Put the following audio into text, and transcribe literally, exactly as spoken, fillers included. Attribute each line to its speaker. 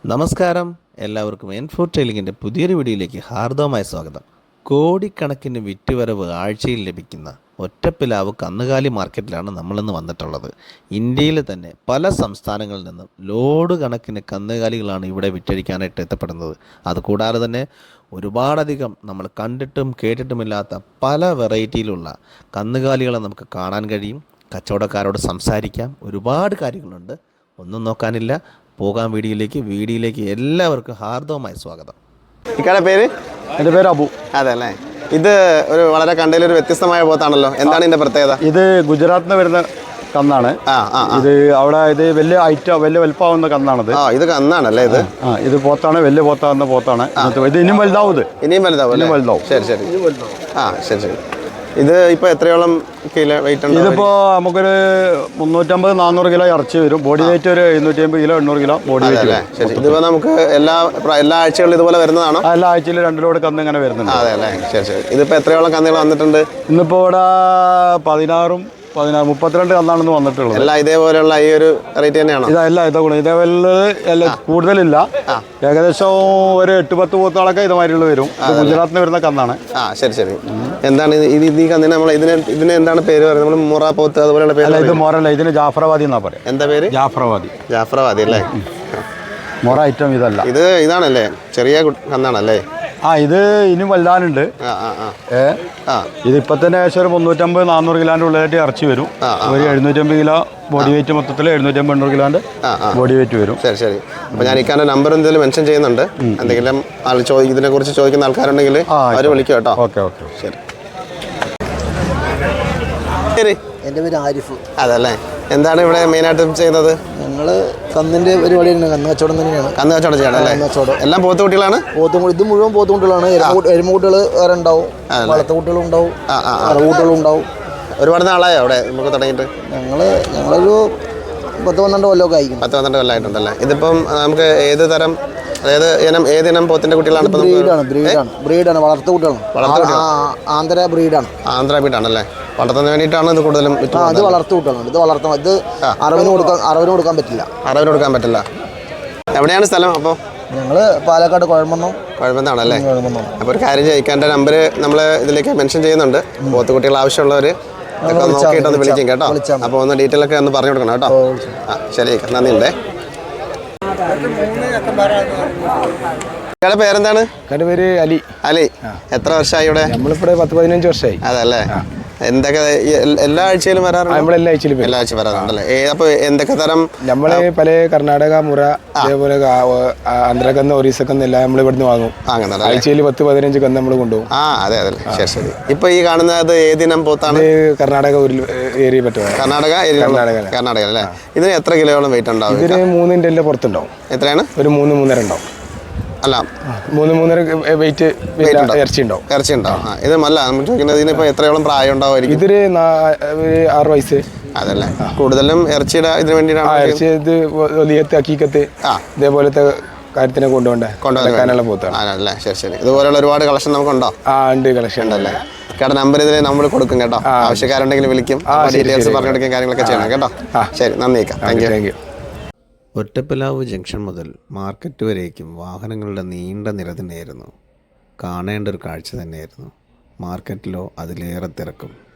Speaker 1: നമസ്കാരം, എല്ലാവർക്കും എൻഫോർ ട്രെയിലിങ്ങിൻ്റെ പുതിയൊരു വീഡിയോയിലേക്ക് ഹാർദവമായ സ്വാഗതം. കോടിക്കണക്കിന് വിറ്റുവരവ് ആഴ്ചയിൽ ലഭിക്കുന്ന ഒറ്റപ്പിലാവ് കന്നുകാലി മാർക്കറ്റിലാണ് നമ്മളിന്ന് വന്നിട്ടുള്ളത്. ഇന്ത്യയിൽ തന്നെ പല സംസ്ഥാനങ്ങളിൽ നിന്നും ലോഡ് കണക്കിന് കന്നുകാലികളാണ് ഇവിടെ വിറ്റഴിക്കാനായിട്ട് എത്തപ്പെടുന്നത്. അതുകൂടാതെ തന്നെ ഒരുപാടധികം നമ്മൾ കണ്ടിട്ടും കേട്ടിട്ടുമില്ലാത്ത പല വെറൈറ്റിയിലുള്ള കന്നുകാലികളെ നമുക്ക് കാണാൻ കഴിയും. കച്ചവടക്കാരോട് സംസാരിക്കാം, ഒരുപാട് കാര്യങ്ങളുണ്ട്. ഒന്നും നോക്കാനില്ല, പോകാൻ വീഡിയോയിലേക്ക് വീഡിയോയിലേക്ക് എല്ലാവർക്കും ഹാർദവമായ സ്വാഗതം.
Speaker 2: ഇക്കാടെ പേര്?
Speaker 3: എൻ്റെ പേര് അബു.
Speaker 2: അതെ അല്ലേ. ഇത് ഒരു വളരെ കണ്ടതിലൊരു വ്യത്യസ്തമായ പോത്താണല്ലോ, എന്താണ് ഇതിന്റെ പ്രത്യേകത?
Speaker 3: ഇത് ഗുജറാത്തിൽ നിന്ന് വരുന്ന കന്നാണ്.
Speaker 2: ആ ആ
Speaker 3: ഇത് അവിടെ ഇത് വലിയ ഐറ്റം വലിയ വലുപ്പമാവുന്ന കന്നാണത്.
Speaker 2: ആ ഇത് കന്നാണല്ലേ? ഇത്
Speaker 3: ആ ഇത് പോത്താണ്, വലിയ പോത്താവുന്ന പോത്താണ്. ഇത് ഇനിയും വലുതാവും. ഇത്
Speaker 2: ഇനിയും വലുതാവും
Speaker 3: ഇനിയും വലുതാവും.
Speaker 2: ശരി ശരി. ആ ശരി ശരി. ഇത് ഇപ്പൊ എത്രയോളം കിലോ വെയിറ്റ് ഉണ്ട്?
Speaker 3: ഇതിപ്പോ നമുക്കൊരു മുന്നൂറ്റമ്പത് നാനൂറ് കിലോ ഇറച്ചി വരും. ബോഡി വെയിറ്റ് ഒരു എഴുന്നൂറ്റി അമ്പത് കിലോ എണ്ണൂറ് കിലോ ബോഡി വെയിറ്റ്.
Speaker 2: ശരി. ഇതിപ്പോ നമുക്ക് എല്ലാ എല്ലാ ആഴ്ചകളിലും ഇതുപോലെ വരുന്നതാണോ?
Speaker 3: എല്ലാ ആഴ്ചയിലും രണ്ടിലോട് കന്ന് ഇങ്ങനെ വരുന്നുണ്ട്.
Speaker 2: അതെ അല്ലേ. ശരി ശരി. ഇതിപ്പോ എത്രയോളം കന്നുകൾ വന്നിട്ടുണ്ട്?
Speaker 3: ഇന്നിപ്പോ ഇവിടെ പതിനാറും പതിനാറ് മുപ്പത്തിരണ്ട് കന്നാണെന്ന് വന്നിട്ടുള്ളത്.
Speaker 2: എല്ലാം ഇതേപോലെയുള്ള ഈ ഒരു റേറ്റ് തന്നെയാണോ?
Speaker 3: ഇതല്ല ഇതാ ഗുണം ഇതേപോലെ എല്ലാം കൂടുതലില്ല. ഏകദേശം ഒരു എട്ട് പത്ത് പോത്തുകളൊക്കെ ഇതുമാതിരിയുള്ള വരും. ഗുജറാത്തിൽ നിന്ന് വരുന്ന കന്നാണ്.
Speaker 2: ആ ശരി ശരി. എന്താണ് ഇത്? ഈ കന്നിന് നമ്മൾ ഇതിന് ഇതിന് എന്താണ് പേര് പറയുന്നത്? നമ്മൾ മുറ പോത്ത് അതുപോലെയുള്ള പേര്?
Speaker 3: ഇത് മൊറല്ല, ഇതിന് ജാഫ്രവാദി എന്നാ പറയാം.
Speaker 2: എന്താ പേര്?
Speaker 3: ജാഫ്രവാദി.
Speaker 2: ജാഫ്രവാദി അല്ലേ.
Speaker 3: മൊറ ഐറ്റം ഇതല്ല.
Speaker 2: ഇത് ഇതാണല്ലേ, ചെറിയ കന്നാണല്ലേ?
Speaker 3: ആ ഇത് ഇനി വലുതാനുണ്ട്. ഏ ഇത് ഇപ്പൊ തന്നെ ഏകദേശം ഒരു മുന്നൂറ്റമ്പത് നാനൂറ് കിലോന്റെ ഉള്ളിലായിട്ട് ഇറച്ചി വരും. ഒരു എഴുന്നൂറ്റമ്പത് കിലോ ബോഡി വെയിറ്റ്, മൊത്തത്തിൽ എഴുന്നൂറ്റമ്പത് എണ്ണൂറ് കിലോന്റെ ബോഡി വെയിറ്റ് വരും.
Speaker 2: ശരി ശരി. അപ്പൊ ഞാൻ ഇക്കാന്റെ നമ്പർ എന്തെങ്കിലും മെൻഷൻ ചെയ്യുന്നുണ്ട്. എന്തെങ്കിലും ആൾ ഇതിനെ കുറിച്ച് ചോദിക്കുന്ന ആൾക്കാരുണ്ടെങ്കിൽ അവർ വിളിക്കും കേട്ടോ.
Speaker 3: ഓക്കെ ഓക്കെ ശരി.
Speaker 2: ശരി.
Speaker 4: എൻ്റെ പേര് ആരിഫ്.
Speaker 2: അതല്ലേ. എന്താണ് ഇവിടെ മെയിനായിട്ട് ചെയ്യുന്നത്?
Speaker 4: ഞങ്ങൾ കന്നിൻ്റെ പരിപാടി തന്നെ, കന്ന് കച്ചവടം തന്നെയാണ്.
Speaker 2: കന്ന് കച്ചവടം ചെയ്യണം അല്ലേ?
Speaker 4: കച്ചവടം
Speaker 2: എല്ലാം പോത്തുകുട്ടികളാണ്.
Speaker 4: പോത്തും ഇത് മുഴുവൻ പോത്തുകുട്ടികളാണ്. എരുമക്കുട്ടികൾ വേറെ ഉണ്ടാവും, വളർത്തുകുട്ടികളും ഉണ്ടാവും, അറവുകുട്ടികളും ഉണ്ടാവും.
Speaker 2: ഒരുപാട് നാളായോ അവിടെ നമുക്ക് തുടങ്ങിയിട്ട്?
Speaker 4: ഞങ്ങൾ ഞങ്ങളൊരു പത്ത് പന്ത്രണ്ട് കൊല്ലമൊക്കെ ആയിരിക്കും.
Speaker 2: പത്ത് പന്ത്രണ്ട് കൊല്ലമായിട്ടുണ്ടല്ലേ. ഇതിപ്പം നമുക്ക് ഏത് തരം, അതായത് ഇനം ഏത് ഇനം പോത്തിന്റെ കുട്ടികളാണ്?
Speaker 4: ബ്രീഡാണ് ബ്രീഡാണ് ബ്രീഡാണ് വളർത്തുകുട്ടികളാണ്. ആന്ധ്ര ബ്രീഡാണ്.
Speaker 2: ആന്ധ്ര ബ്രീഡാണല്ലേ. വളർത്തുന്നതിന് വേണ്ടിയിട്ടാണ് ഇത് കൂടുതലും.
Speaker 4: ഇത് വളർത്തുകുട്ടികളാണ്. ഇത് വളർത്തണം. ഇത് അറവിന് കൊടുക്കാൻ അറവിന് കൊടുക്കാൻ പറ്റില്ല.
Speaker 2: അറവിന് കൊടുക്കാൻ പറ്റില്ല. എവിടെയാണ് സ്ഥലം അപ്പോൾ?
Speaker 4: ഞങ്ങൾ പാലക്കാട് കുഴമന്നം.
Speaker 2: കുഴമന്നാണല്ലേ. അപ്പോൾ ഒരു കാര്യം ചെയ്യിക്കാൻ്റെ നമ്പർ നമ്മൾ ഇതിലേക്ക് മെൻഷൻ ചെയ്യുന്നുണ്ട്. പോത്തുകുട്ടികൾ ആവശ്യമുള്ളവർ ഒക്കെ നോക്കിയിട്ടൊന്ന് വിളിക്കും കേട്ടോ. അപ്പോൾ ഒന്ന് ഡീറ്റെയിൽ ഒക്കെ ഒന്ന് പറഞ്ഞു കൊടുക്കണം കേട്ടോ. ആ ശരി, നന്ദിയുണ്ടേ. ഇയാളുടെ പേരെന്താണ്?
Speaker 3: എൻ്റെ പേര് അലി.
Speaker 2: അലി. എത്ര വർഷമായി ഇവിടെ?
Speaker 3: നമ്മളിവിടെ പത്ത് പതിനഞ്ച് വർഷമായി.
Speaker 2: അതല്ലേ. എന്തൊക്കെ എല്ലാ ആഴ്ചയിലും വരാറുണ്ട്?
Speaker 3: നമ്മളെല്ലാ ആഴ്ചയിലും
Speaker 2: എല്ലാ ആഴ്ച വരാറുണ്ടല്ലേ. അപ്പൊ എന്തൊക്കെ തരം?
Speaker 3: നമ്മള് പല കർണാടക മുറ, അതേപോലെ ആന്ധ്രക്കന്ന് ഒറീസക്കന്ന് എല്ലാം നമ്മൾ ഇവിടുന്ന് വാങ്ങും. ആഴ്ചയിൽ പത്ത് പതിനഞ്ച് കന്ന് നമ്മൾ കൊണ്ടുപോകും.
Speaker 2: ആ അതെ അതെ. ശരി ശരി. ഇപ്പൊ ഈ കാണുന്നത് ഏതിനം പോത്താണ്?
Speaker 3: കർണാടക ഏരിയ പറ്റും.
Speaker 2: കർണാടക കർണാടക കർണാടക അല്ലേ. ഇതിന് എത്ര കിലോയോളം വെയിറ്റ് ഉണ്ടാവും?
Speaker 3: ഇതിന് മൂന്നിൻ്റെ എല്ലാം പുറത്തുണ്ടാവും.
Speaker 2: എത്രയാണ്?
Speaker 3: ഒരു മൂന്ന് മൂന്നര ഉണ്ടാവും.
Speaker 2: അല്ല,
Speaker 3: മൂന്ന് മൂന്നര വെയിറ്റ് ഇറച്ചി ഉണ്ടാവും.
Speaker 2: ഇറച്ചി ഉണ്ടാവും. ഇത് അല്ല നമ്മൾ ചോദിക്കുന്നത്, ഇതിനിപ്പോ എത്രയോളം പ്രായം ഉണ്ടാവുമായിരിക്കും?
Speaker 3: ഇതൊരു ആറ് വയസ്സ്.
Speaker 2: അതല്ലേ. കൂടുതലും ഇറച്ചിയുടെ ഇതിന് വേണ്ടിയിട്ടാണ്.
Speaker 3: ഇറച്ചി ഇത് വലിയത്ത് അക്കീക്കത്ത് ഇതേപോലത്തെ കാര്യത്തിനെ കൊണ്ടുപോകണ്ടേ, കൊണ്ടുപോകാനുള്ള പോത്താണ്.
Speaker 2: അല്ലേ. ശരി ശരി. ഇതുപോലെയുള്ള ഒരുപാട് കളക്ഷൻ നമുക്കുണ്ടോ?
Speaker 3: ആ ഉണ്ട്, കളക്ഷൻ ഉണ്ടല്ലേ.
Speaker 2: കേട്ടോ, നമ്പർ ഇതിൽ നമ്മൾ കൊടുക്കും കേട്ടോ. ആവശ്യക്കാരുണ്ടെങ്കിൽ വിളിക്കും. ഡീറ്റെയിൽസ് പറഞ്ഞെടുക്കാൻ കാര്യങ്ങളൊക്കെ ചെയ്യണം കേട്ടോ. ശരി, നന്ദി. Thank you thank you.
Speaker 1: Ottapilavu junction മുതൽ മാർക്കറ്റ് വരേക്കും വാഹനങ്ങളുടെ നീണ്ട നിര തന്നെയായിരുന്നു. കാണേണ്ട ഒരു കാഴ്ച തന്നെയായിരുന്നു. മാർക്കറ്റിലോ അതിലേറെ തിരക്കും.